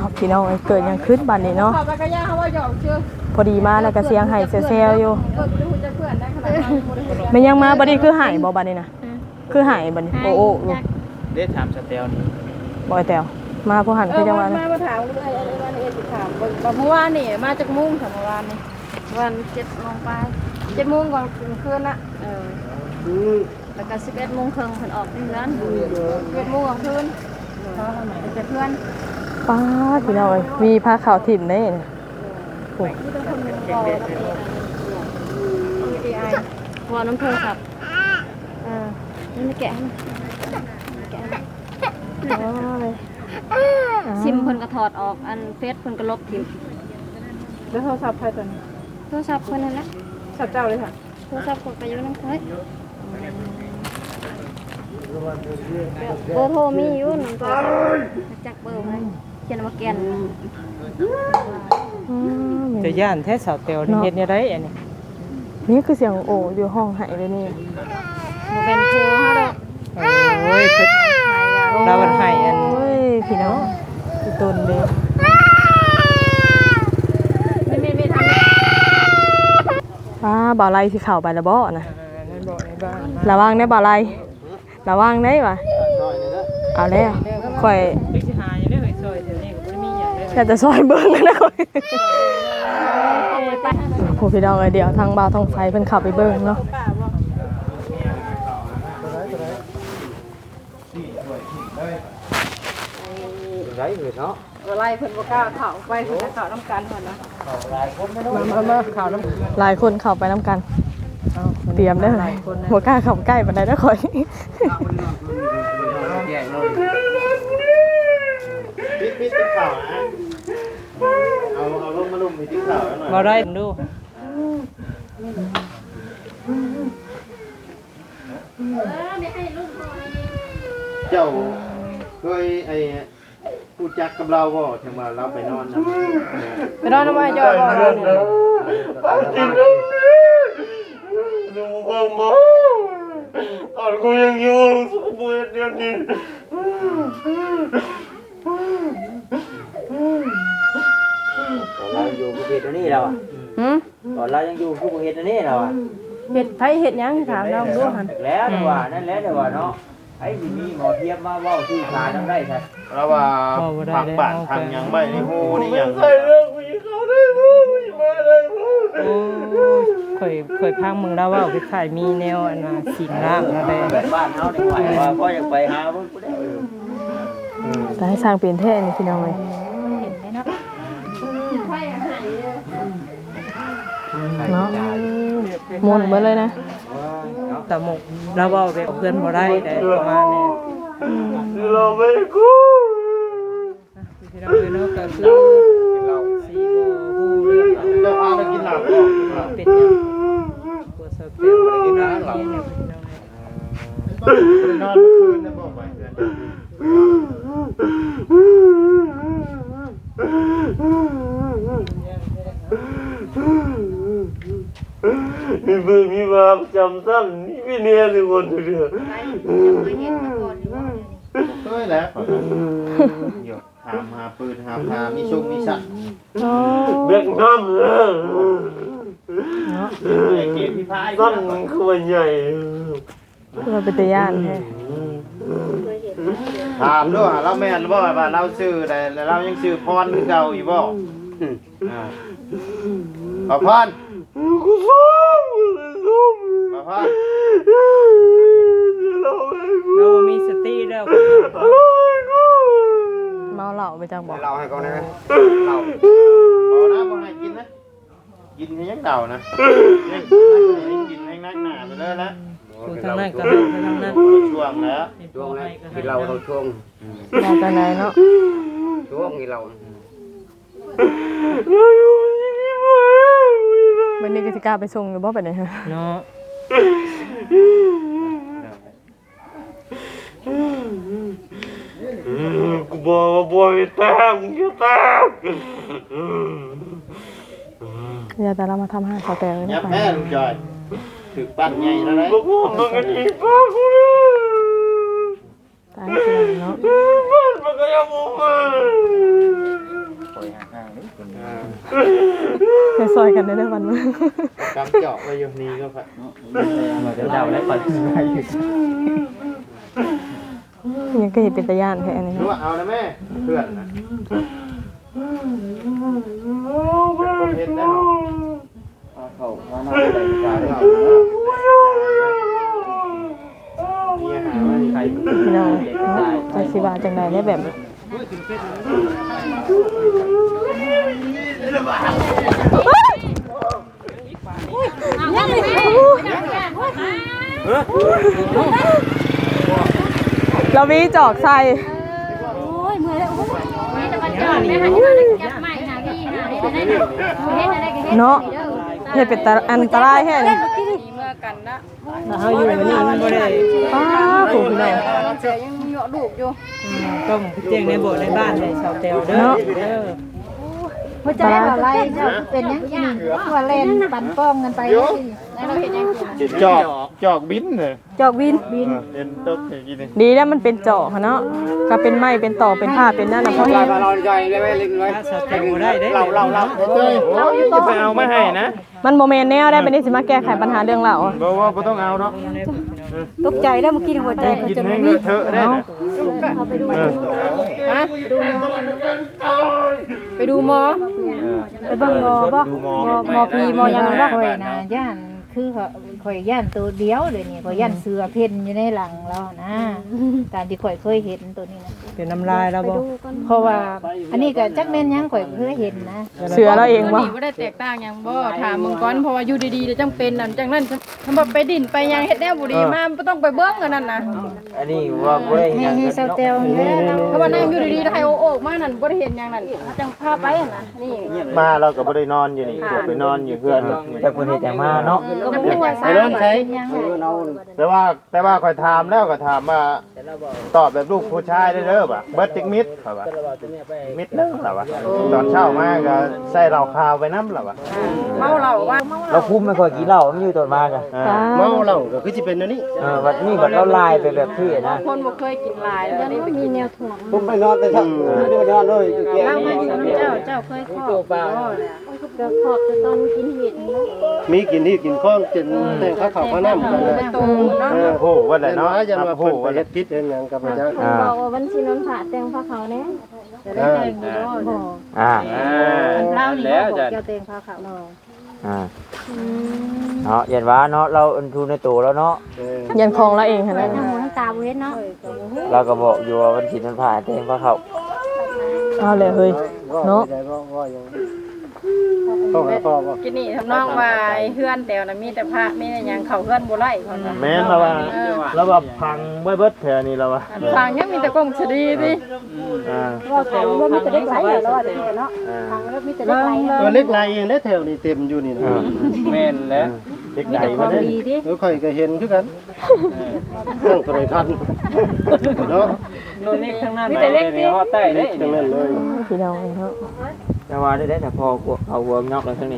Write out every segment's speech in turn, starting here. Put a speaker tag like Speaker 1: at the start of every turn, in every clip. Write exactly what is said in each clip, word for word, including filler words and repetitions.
Speaker 1: พี่น้องเกิดยังขึ้นบัดนี้เนาะพอดีมาแล้วก็เสียงไห้เซลๆอยู่มันยังมาบัดนี้คือหายบ่บัดนี้นะคือหายบัดนี้โอ้โอ้
Speaker 2: ได้ถามสเตลนี่
Speaker 1: บ่ไอ้แต้วมาผู้หันคือจังว่า
Speaker 3: มามาถามเลยอะไรวันนี้สิถามเมื่อวานนี่มาจากมุ่งค่ะเมื่อวานนี่วันเจ็ดโมงไปเจ็ดโมงก่อนคืนละเออแล้วก็สิบเอ็ดโมงครึ่งเพิ่นออกที่ร้านสิบเอ็ดโมงกลางคืนเจอเพื่อน
Speaker 1: ป้าพี่น้องมีผ้าขาวถิ่มได้เนี่ยโอ้ย
Speaker 3: พอน้ำโทรศัพท์เออนี่แกะแกะซิมเพิ่นก็ถอดออกอันเฟซเพิ่นก็ลบทิ้ง
Speaker 1: แล้วโทรศัพท์ใครตัวนี้
Speaker 3: โทรศัพท์คนนั่นแหละ
Speaker 1: โทรศัพท์เจ้าเลยค่ะ
Speaker 3: โทรศัพท์กดไปอยู่นั่นเฮ้ยเบอร์โทรมีอยู่นั่นตัวจักเบอร์เลยเขียนมาแกน
Speaker 1: จะย่านแท้สาวเตียวนี่เฮ็ดยังไงอันนี้นี่คือเสียงโอ้อยู่ห้องหายเลยนี่
Speaker 3: บ่เป็นโทรเฮาดอก
Speaker 1: โอ้ยเพิ่นดาวหายอันโอ้ยพี่น้องอีต้นเด้
Speaker 3: ไม่ไม่ไม่ท
Speaker 1: ำป้าบ่าวไล่สิเข้าไปแล้วบ่นะระวังได้บ่าวไล่ระวังได้ว่ะเอาแล้วค่อยอยากจะซอยเบิ้งนะค่อยโหพี่น้องเดี๋ยวทางบ่าวทองไฟเพิ่นขับไปเบิ้งเนาะ
Speaker 2: ไรเลยเนาะ
Speaker 3: อะไรเพิ่นบ่กล้าเข้าไปเพิ่นจะเข้าน้ำกันก่อนนะ
Speaker 1: หลายคนมามาเข้าน้ำหลายคนเข้าไปน้ำกันเตรียมได้เลยบ่กล้าเข้าใกล้ปานใดนะค่อย
Speaker 2: ปิดปิดติ๊กข่าวนะเอาเอาลงมาลุ่มมีติ๊กข่าวหน่อย
Speaker 1: บ่ได้ดู
Speaker 2: เจ้าเคยไอ้พูดจักกับเราบ่ถึงว่าเราไปนอนนะ
Speaker 3: ไปนอนทำไมจอยบ่
Speaker 2: จริงเลยดูบ่บ่ตอนกูยังอยู่สุขบุญเดียวนี้เราอยู่ภูเก็ตนี่เราอ่ะหืมตอนเรายังอยู่ภูเก็ตนี่เราอ่ะ
Speaker 3: เห็ดไผเห็ดยังถามเราดูหัน
Speaker 2: แล้วแต่ว่านั่นแหละแต่ว่าเนาะไอ้ที่มีหมอเทียบมาว่าชื่อขาทำได้ใช่เราว่าผักป่านทางยังไม่ในหูนี่ยังใส่เรื่องกูยิงเขาได้หูกูยิงมาได้หู
Speaker 1: เคยเคยพังมึงแล้วว่าไปขายมีแนวอันน่ะสิงร่างอะไร
Speaker 2: แบบบ้านเฮาได้ไหวว่าก็อยากไปหาเพิ่นกูได้
Speaker 1: แต่ให้สร้างเป็นแท้นี่พี่น้องเอ้ย
Speaker 3: เห็นได้เนาะ
Speaker 1: เนาะหมุนมาเลยนะแต่หมกเราบอกแบบเพื่อนบ่ได้แต่ประมาณนี้
Speaker 2: เราไม่กู
Speaker 1: พี่น้องเนาะก็คือเราสีบ่ฮู้เรื่อง
Speaker 2: เราพาไปกินหลับก็
Speaker 1: เป็นหยังปวดสะเปียวบ่ได้กินน้ำหลับพี่น้อง
Speaker 2: นอนคืนนะบ่ไปเดือนมีเบอร์มีมาจำสั้นนี่ไม่เนียนเลยคนเดียวเฮ้ยแล้วหยดหามหาปืนหามหามีชุกมีสัตว์เบียกน้ำเลยสั้นคือวันใหญ่
Speaker 1: เราเป็นตะย่านแท้
Speaker 2: ถามด้วยเราแม่นบ่ว่าเราชื่อแต่เรายังชื่อพรเก่าอยู่บ่ขอพรกูฟ้องขอพร
Speaker 1: เรามีสติแล้วเมาเหล้าไปจังบอก
Speaker 2: เหล้าให้ก่อนนะเหล้าเอานะบ่ให้กินนะกินให้ยังเดานะกินให้นักหนาไปเลยนะ
Speaker 1: ทางนั้นก็ได้ทางนั้น
Speaker 2: ช่วงแล้ว
Speaker 4: ช่วงแล้วกินเหล้าเราช่วง
Speaker 1: มาตอนไหนเนาะ
Speaker 4: ช่วงกินเหล้า
Speaker 1: วันนี้กติกาไปส่งอยู่บ่ไปไหนฮะเนาะ
Speaker 2: กูบอกว่าบ่อยแตกมึงจะแตก
Speaker 1: อย่าแต่เรามาทำให้เขาแตกเลย
Speaker 2: นะแม่ลุงจอยถึกปั้นใหญ่แล้วนะมึงกันอีกป้ากู
Speaker 1: ตายเนาะ
Speaker 2: ปั้นมันก็ยังมึง
Speaker 1: ซอยกันได้ได้วันมื้อก
Speaker 2: ำเจาะไว้อยู่นี่ก็ค่ะมาเดี๋ยวดาวแล้วปัดไปอยู่
Speaker 1: ยังก็เห็นเป็นตะย่านแค่อันนี้
Speaker 2: รู้ว่าเอานะแม่เพื่อนนะเห็นได้หรอเขาเขาหน้าใส่กาเขามีอาหารว่าใคร
Speaker 1: พี่น้องจังสิว่าจังไดได้แบบเรามีจอกใส่
Speaker 3: โอ้ยเมื่อยแล้วโอ้ยมีแต่มาจอดแม่หาที่มาแล้วจับใหม่หาพี่หาได้ได้เฮ็ดอะไรก็เฮ็ด
Speaker 1: เนาะเฮ็ดเป็นตาอันตรายแฮะนี่
Speaker 3: เมื่อกันนะ
Speaker 5: เฮาอยู่นี่มันบ่ได้
Speaker 1: ป้าผู้พี่น้อง
Speaker 3: เสียยังเหยาะลูกอยู่
Speaker 5: ต้องเตียงในโบสถ์ในบ้านในชาวเตลเด้อเด้อ
Speaker 3: หัวใจอะไรเจ้าเป็นยังกินว่าเล่นปั่นป้องกันไปแล้วเราเห็นยังกิน
Speaker 2: จอกจอกบินเลย
Speaker 1: จอกวิน
Speaker 2: เอ็นตกอย่างนี้นี่
Speaker 1: ดีแล้วมันเป็นจอกเนาะก็เป็นไม้เป็นต่อเป็นผ้าเป็นนั่นน่ะเพราะ
Speaker 4: ล
Speaker 1: เฮ็
Speaker 4: อย
Speaker 1: ด
Speaker 4: มาลอยใจได้ไหมเล็กน้อย
Speaker 5: ชาวเตลบ่ได้เด้
Speaker 2: เราเราเราเฮ้ยจะไปเอาไม่ให้นะ
Speaker 1: มันโมเมนต์แนวได้เป็นนี่สิมาแก้ไขปัญหาเรื่องเหล่า
Speaker 2: บอกว่าไม่ต้องเอาเนาะ
Speaker 3: ตกใจแล้วเมื่อกี้หัวใจ
Speaker 2: กินให้เถอะได้นะ
Speaker 3: ฮะไปดูหมอไปเบิ่งหมอบ่
Speaker 2: ดูหมอ
Speaker 3: หมอพีหมอยังบ่
Speaker 6: ข่อยนะย่านคือเขาข่อยย่านตัวเดียวเลยนี่ข่อยย่านเสือเพ่นอยู่ในหลังเรานะตามที่ข่อยเคยเห็นตัวนี้นะ
Speaker 5: เป็นน้ำลายแล้วบ่
Speaker 6: เพราะว่าอันนี้ก็จักแม่นหยังข่อยเคยเห็นนะ
Speaker 1: เสือเราเองวะ
Speaker 3: บ่ได้แตกต่างหยังบ่ถามมึงก่อนเพราะว่าอยู่ดีๆแล้วจังเป็นนั่นจังนั้นทำบ่ไปดินไปหยังเฮ็ดแนวบ่ดีมาบ่ต้องไปเบิ่งกันนั่นน่ะ
Speaker 4: อันนี้ว่าบ่ได้
Speaker 6: ให้ให้เซาเตลนี่
Speaker 3: เพราะว่านั่งอยู่ดีๆแล้วให้โอ้ๆมานั่นบ่ได้เห็นหยังนั่นจังพาไปนั่นน่ะนี่
Speaker 2: มาเราก็ไม่ได้นอนอยู่นี่ไปนอนอยู่เพื่อน
Speaker 4: แต่คนเฮ็ดแต่มาเนาะ
Speaker 3: ก็บ่ฮู้ว่าสา
Speaker 2: เริ่มใช้
Speaker 6: ยัง
Speaker 2: แต่ว่าแต่ว่าคอยถามแล้วก็ถามว่าตอบแบบลูกผู้ชายได้เด้อป่ะเบิร์ดจิกมิดเหรอวะมิดเด้อเหรอวะตอนเช้ามาก็ใส่เหล้าขาวไปน้ำเหรอวะ
Speaker 3: เมาเหล้าว่า
Speaker 4: เราคุมไม่ค่อยกินเหล้ามันอยู่ตอนมากัน
Speaker 2: เมาเหล้าก็คือจะเป็นอันนี้
Speaker 4: เออวันนี้บัดเราลายไปแบบที่นะ
Speaker 3: คนบ่เคยกินหลายแล้วนี่ไปกินแนวถ่วง
Speaker 4: ผมไปนอนไปทั้งไม่ได้นอนเลยอยู่แก่
Speaker 3: เรามาอยู่กับเจ้าเจ้าเคยขอบบ่ก็ขอบจะต้องกินเห็ด
Speaker 2: มีกินที่กินข้องกินแต่ข้าวขาวข้าวน้ำกันเลย
Speaker 3: โตเนาะ
Speaker 2: โอ้โหว่าไหนเนาะยันว่าเพิ่นไปเฮ็ดพิษเฮ็ดหยังกับพระเจ้า
Speaker 3: บอกว่าวันสินนผ่าแต่งผ้าขาวแน่จะได้แต่งอยู่บ่
Speaker 4: อ่า
Speaker 6: เล่านี่บอกเจ้าเตงพาเขา
Speaker 4: อ่าเนาะยันว่าเนาะเราอันทุนในตัวแล้วเนาะ
Speaker 1: ยันคลองเราเองค่ะนั่น
Speaker 3: ทั้งหูทั้งตาบ่เห็นเนาะ
Speaker 4: เราก็บอกอยู่ว่าวันศิลป์มันผ่าเต็มพระเขา
Speaker 1: เอาเลยเฮ้ยเนาะ
Speaker 2: พ่อพ่อบ่
Speaker 3: กินนี่ทำนองว่าเฮือนแต่วน่ะมีแต่พระมีแต่หยังเขาเฮือนบ่ไล่เพิ่นว่า
Speaker 2: แม่นแล้วว่าแล้วว่าพังเบิดแถวนี้แล้วว่า
Speaker 3: ทางยังมีแต่กงสดีดิ
Speaker 2: อ่า
Speaker 3: ว่าเขาบ่มีแต่เด็กไหลแล้วว่าเนาะทางแล้วมีแต่เด็กไหล
Speaker 2: ตัวเล็กลายเองได้แถวนี้เต็มอยู่นี่นะ
Speaker 4: แม่นแล้ว
Speaker 2: เด็กใหญ่มาได้เออค่อยก็เห็นคือกันตั้งโทรทัศน์เนาะ
Speaker 5: โน่นนี่ข้างหน้า
Speaker 3: มีแต่เล็กดิ
Speaker 5: ฮอดใต้เด้
Speaker 2: จังนั้นเลย
Speaker 1: พี่น้องเนาะ
Speaker 4: แต่ว่าได้ได้แต่พอเอาหัวนอกแล้วทั้งนี้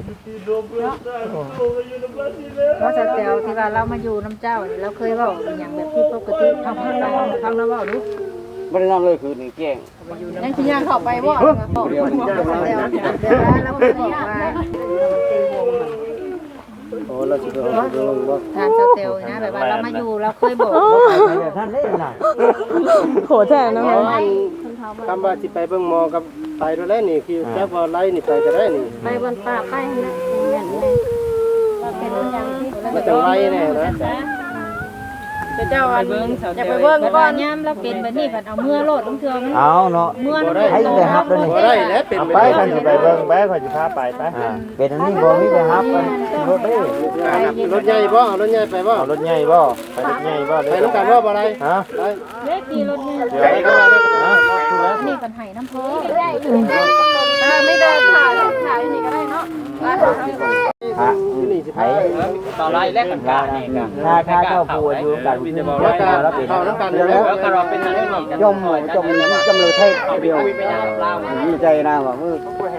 Speaker 6: เพราะเซาเตลที่ว่าเรามาอยู่น้ำเจ้าเราเคยเว้าอย่างแบบที่ปกติทำให้เราทำแล้วเว้าดู
Speaker 4: บ่ได้นอนเลยคือนี่แกล้ง
Speaker 3: ยังสิย่างเข้าไปบ่บอกเพิ่นว่า
Speaker 6: เซาเตลเดี๋ยวเราเคยบอกว่าตีวง
Speaker 2: โอ้เราสิไปเอาเบิ่งบ่
Speaker 6: ทานเซาเตลนะแบบว่าเรามาอยู่เราเคยบอก
Speaker 4: แบบท่านได้น่ะ
Speaker 1: โหแท้เนาะ
Speaker 2: คำว่าสิไปเบิ่งหมอกับไปด้วยแล้วนี่คือจักว่าไล่นี่ไปก็ได้นี่
Speaker 3: ไปบนป่าไปนะแม่นเลยเป็นอย่างที่
Speaker 2: มันจะไล่แน่นะ
Speaker 3: เจ้าอันอย่าไป
Speaker 6: เบิ่
Speaker 3: เบิ่
Speaker 6: ง
Speaker 3: ง
Speaker 6: ก่
Speaker 3: ก่
Speaker 6: อ
Speaker 3: อน น
Speaker 6: ย่ำเราเป็นแบบนี้ผัดเอาเมื่อโลดลงเทือมัน
Speaker 4: เอาเนาะ
Speaker 6: เมื่อ
Speaker 2: บ่
Speaker 6: มัน
Speaker 2: ได้
Speaker 4: ให้ไปฮับแล้วนี่
Speaker 2: บ่ได้แล้วเป็นไปกันสิไปเบิ่งไปค่อยสิพาไปไป
Speaker 4: อ่าเป็นอันนี้บ่มีไปฮับกันรถเด้
Speaker 2: รถใหญ่บ่เอารถใหญ่ไปบ่เอารถใหญ่บ่ไปรถใหญ่บ่ไปนำกันบ่บ่ได้ฮะไป
Speaker 6: เล็กดีรถเนี่ย
Speaker 2: เดี๋ยวไปกันมาเด้อฮะถูกแล้ว
Speaker 6: นี่กันไห้น้ำโพ
Speaker 3: ถ้าไม่เดินผ่านผ่านนี่ก็ได้เนาะ
Speaker 4: ฮะ
Speaker 2: นี่สิ
Speaker 4: ไผ
Speaker 2: ไป
Speaker 5: ต่อไล่แลกกันกานี่ก็
Speaker 4: ถ้าถ้าเจ้าผู้อยู่กัน
Speaker 2: แล้วก็เข้าน้ำกันแล้ว
Speaker 5: แล้วก็เราเป็นอันนี้กัน
Speaker 4: จมจมจมเลยเทศเดียวดีใจนะว่ามือ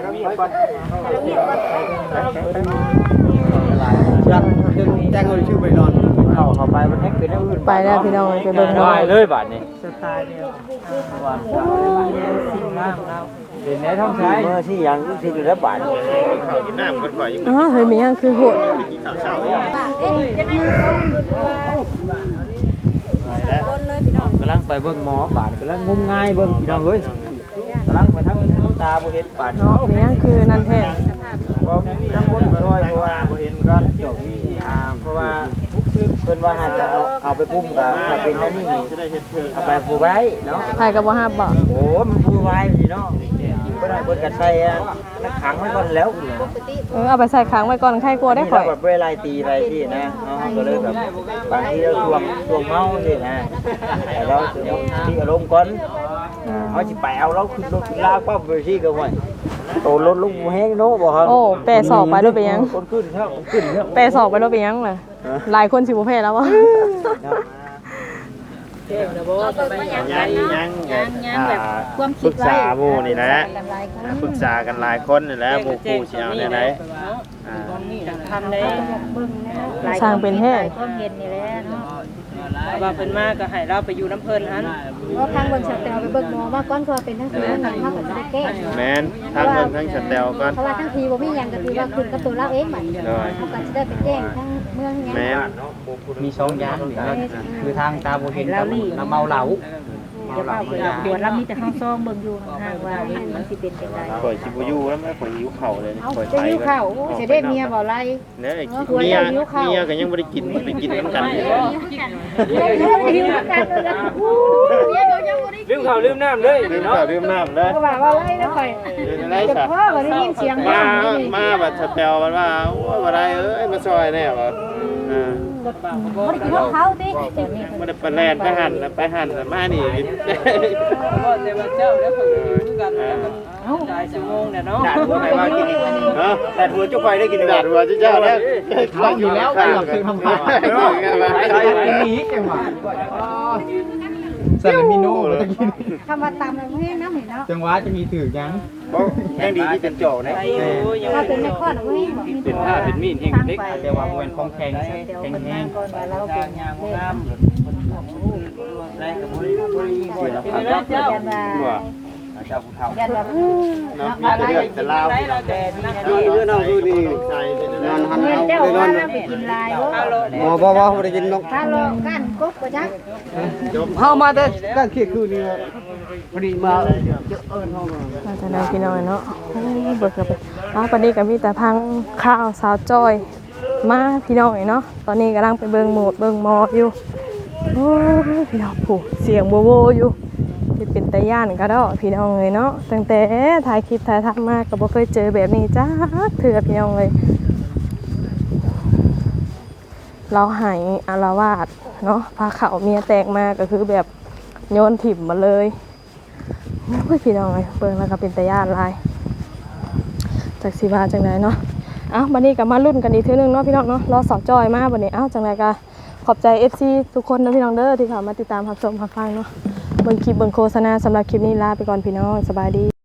Speaker 4: จังแจ้งเลยชื่อไปนอนเข้าเข้าไปมันแฮกเป็นอื่น
Speaker 1: ไปแล้วพี่น้องไปเบิ่ง
Speaker 5: ได้
Speaker 1: เนาะ
Speaker 5: เลยบาดนี้
Speaker 2: สไตล์เดียว
Speaker 5: ว่าสิ่งงามแล้ว
Speaker 2: เด
Speaker 4: เป็นแนวท้องใช้เมื่อที่ยังที่อยู่แล้วบาด
Speaker 2: ข้าวกินน้ำกันข่อยยัง
Speaker 1: อ๋อเฮ้ยมียังคือโหด
Speaker 2: กินข้าวเช้า
Speaker 4: กำลังไปเบิ่งหมอบาดกำลังงมงายเบิ่งพี่น้องเอ้ยกำลังไปทางตาบ่เห็นบาด
Speaker 1: เนาะมียังคือนั่นแท้
Speaker 4: บ่ทั้งคนบ่ร้อยเพราะว่าบ่เห็นกันจบนี่อ่าเพราะว่าเพิ่นว่าหาจะเอาเอาไปปุ้มก็ถ้าเป็นอันนี้นี่เอาไปปูไว้เนาะ
Speaker 1: ใครก็บ่ฮับบ่
Speaker 4: โอ้มันปูไว้พี่เนาะบ่ได้เพิ่นก็ใส่นักขังไว้ก่อนแล้ว
Speaker 1: เออเอาไปใส่ค้างไว้ก่อนใครกลัวได้ข่อย
Speaker 4: แบบเวลาตีอะไรที่นะเนาะก็เลยแบบบางทีเราทวงทวงเมาสินะแต่เราที่อารมณ์ก่อนเขาสิไปเอาเราขึ้นรถลากปั๊บไปที่ก็ไว้โตรถลุกแห้งโน้บ่ครับ
Speaker 1: โอ้แปรสอบไปด้วยไปยัง
Speaker 4: คนขึ้นเท่าขึ้นเท่า
Speaker 1: แปรสอบไปด้วยไปยังเลยหลายคนสิบ่แพ้แล้ววะ
Speaker 5: เก่งนะบ่
Speaker 2: ยังยังยังแบบความคิดไว้ปรึกษาหมู่นี่แหละปรึกษากันหลายคนนี่แหละหมู่คู่สิเอาแนวไหนอ่า
Speaker 5: ทำได้
Speaker 1: สร้างเป็นแท้
Speaker 6: ความเห็นนี่แหละเนาะ
Speaker 5: ว่าเพิ่นมาก็ให้เราไปอยู่น้ำเพิ่นหัน
Speaker 6: ว่าทางเบิ่งสแต่ไปเบิ่งหมอว่าก้อนคือเป็นทั้งทีนั่นเฮาก็ได้แก้
Speaker 2: แม่นทั้งเพิ่นทั้งสแตลก่อน
Speaker 6: เพราะว่าทั้งทีบ่มีหยังก็คือว่าคุณกับตัวเราเองบัดนี้เฮาก็สิได้ไปแจ้งทั้งเมืองหยัง
Speaker 2: แม่น
Speaker 7: มีสองอย่างนี่นะคือทางตาบ่เห็นกับน้ำเมาเหล้าเมาเหล้าเพิ่น
Speaker 6: ปวดเรามีแต่ห้องซองเบิ่งอยู่ห่างๆว่ามันสิเป็นจังได๋
Speaker 2: ข่อยสิบ่อยู่แล้วแม่ข่อยหิวข้าวเลยนี่
Speaker 6: เอา
Speaker 2: ข่อย
Speaker 6: จะ
Speaker 2: ไป
Speaker 6: อยู่ข้าวสิได้เมียบ่ไล่
Speaker 2: เนี่ยเมียเมียก็ยังบ่ได้กินไปกินนำกันอยู่
Speaker 6: หิวกันเลยอู้เมียก็ยังบ่ได้
Speaker 5: ลืมข้าวลืมน้ำเลย
Speaker 2: ลืมข้าวลืมน้ำเลย
Speaker 6: ก็ว่าว่าไล่นะข่อย
Speaker 2: ได้
Speaker 6: จะ
Speaker 2: ซะ
Speaker 6: พ่อบ่ได้ยินเสียง
Speaker 2: มา
Speaker 6: บ้าน
Speaker 2: มาบัดสแตลมันว่าโอ้ยบ่ได้เอ้ยมาซอยแน่บ่อ่า
Speaker 6: บ่ได้กินของเขาติตอนนี้
Speaker 2: บ่ได้ไปแล่นไปหั่นไปหั่นมานี่
Speaker 5: ก็แต่ว่าเจ้าแล้วเพิ่นคือกันแล้วมันหลายชั่วโมงเนี่ยเนาะ
Speaker 4: ด่าหัวไหนมากิน
Speaker 2: ฮะ
Speaker 4: ด่าหัวจุกไฟได้กิน
Speaker 2: ดาดหัวเจ้าแล้ว
Speaker 7: เอาอยู่แล้วเกือบถึงทำผ่านกินนี้จังหวะซาลามิโน่ตะกี้
Speaker 6: คำว่าตามมันให้น้ำเห็นเนาะ
Speaker 7: จังหวะจะมีถือยัง
Speaker 4: ยังดีที่เป็นโจนะ
Speaker 5: ไปอยู่ยัง
Speaker 6: ถ้าเป็นในข้อน่ะบ่ให้บ่มี
Speaker 7: เป็นผ้าเป็นมีดแห่งเล็กแต่ว่ามันของแข็งแข็งแห้ง
Speaker 6: ก่อนว่าเราเป็นยางงาม
Speaker 4: ไรกับบ่ได้บ่ได้ยินเสียง
Speaker 5: เป็นแล้วเจ้า
Speaker 6: ยันว่า
Speaker 4: เจ้าผู้เฒ่า
Speaker 6: ยันว่า
Speaker 2: เนาะมีแต่เรื่องแต่ลาว
Speaker 5: ได้แล้วแต่ดีนะ
Speaker 2: คือเรื่องเอาคือดีใจเป็นนอนหัน
Speaker 6: เงิน
Speaker 2: เอา
Speaker 6: เจ้า
Speaker 2: ไปนอ
Speaker 6: ว่าน ไปกินลายบ่
Speaker 7: บ่บ่บ่บ่ได้กินนก
Speaker 6: ถ้าลองกันกบบ่จัก
Speaker 7: เฮามาแต่ด้านเขตคือนี่พอดีมา
Speaker 1: เราจะได้พี่น้อยเนาะโอ้ยเบิกกับอ้าวปานนี้ก็มีแต่พังข้าวสาวจอยมาพี่น้อยเนาะตอนนี้กำลังไปเบิ่งโหมดเบิ่งหมออยู่โอ้ยพี่น้องผู้เสียงโวโวอยู่ที่เป็นตาย่านก็ดอกพี่น้องเลยเนาะตั้งแต่ถ่ายคลิปถ่ายทำมาก็บ่เคยเจอแบบนี้จ้าเถื่อพี่น้องเลยเราหายอารวาสเนาะพาเขาเมียแตกมาก็คือแบบโยนถิ่มมาเลยโอ้ยพี่น้องเลยเบิ่งแล้วก็เป็นตาย่านลายจากสีบาจังไดเนาะเอ้าบัดนี้ก็มาลุ้นกันอีกเทื่อนึงเนาะพี่น้องเนาะรอสาวจอยมาบัดนี้เอ้าจังไดก็ขอบใจ เอฟ ซี ทุกคนนะพี่น้องเด้อที่เข้ามาติดตามรับชมรับฟังเนาะเบิ่งคลิปเบิ่งโฆษณาสำหรับคลิปนี้ลาไปก่อนพี่น้องสบายดี